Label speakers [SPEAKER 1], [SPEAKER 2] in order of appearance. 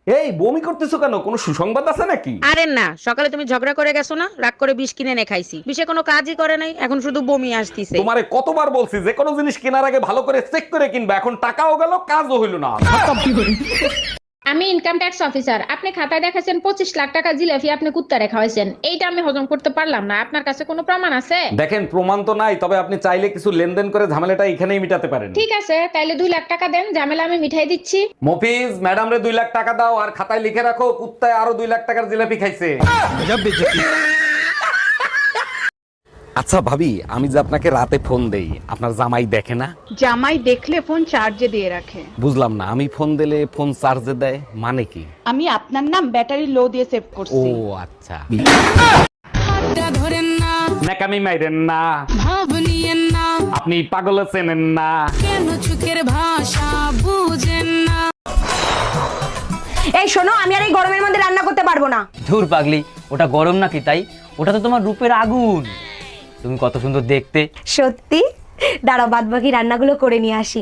[SPEAKER 1] এই বমি করতেছো কেন, কোনো সুসংবাদ আছে নাকি?
[SPEAKER 2] আরে না, সকালে তুমি ঝগড়া করে গেছো না, রাগ করে বিষ কিনে এনে খাইছি, বিষে কোনো কাজই করে নাই, এখন শুধু বমি আসতিছে।
[SPEAKER 1] তোমারে কতবার বলছি যে কোনো জিনিস কেনার আগে ভালো করে চেক করে কিনবা, এখন টাকাও গেল কাজও হইল না।
[SPEAKER 3] আমি ইনকাম ট্যাক্স অফিসার। আপনি খাতায় দেখাছেন 25 লাখ টাকা জিলাপি আপনি কুত্তারে খাওয়াইছেন, এইটা আমি হজম করতে পারলাম না। আপনার কাছে কোনো প্রমাণ আছে?
[SPEAKER 1] দেখেন প্রমাণ তো নাই, তবে আপনি চাইলে কিছু লেনদেন করে ঝামেলাটা এখানেই মিটাতে পারেন।
[SPEAKER 3] ঠিক আছে, তাইলে 2 লাখ টাকা দেন, ঝামেলা আমি মিঠাই দিচ্ছি।
[SPEAKER 1] মফিজ, ম্যাডাম রে 2 লাখ টাকা দাও, আর খাতায় লিখে রাখো কুত্তায় আরো 2 লাখ টাকার জিলাপি খাইছে। আচ্ছা ভাবি, আমি যে আপনাকে রাতে ফোন দেই, আপনার জামাই দেখে না?
[SPEAKER 4] জামাই দেখলে ফোন চার্জে দিয়ে রাখে।
[SPEAKER 1] বুঝলাম না, আমি ফোন দিলে ফোন চার্জে দেয় মানে কি?
[SPEAKER 4] আমি আপনার নাম ব্যাটারি লো দিয়ে সেভ
[SPEAKER 1] ও
[SPEAKER 4] করছি।
[SPEAKER 1] আচ্ছা।
[SPEAKER 5] ধরেন না,
[SPEAKER 1] নাকামি মাইরেন না,
[SPEAKER 5] ভাব নিয়েন না,
[SPEAKER 1] আপনি পাগল চেনেন না।
[SPEAKER 5] কেন চোখের ভাষা বুঝেন না।
[SPEAKER 6] এই শোনো, আমি আর এই গরমের মধ্যে রান্না করতে পারবো না।
[SPEAKER 7] ধুর পাগলি, ওটা গরম নাকি তাই? ওটা তো তোমার রূপের আগুন। তুমি কত সুন্দর দেখতে।
[SPEAKER 6] সত্যি? দাঁড়াও, বাদ বাকি রান্নাগুলো করে নিয়ে আসি।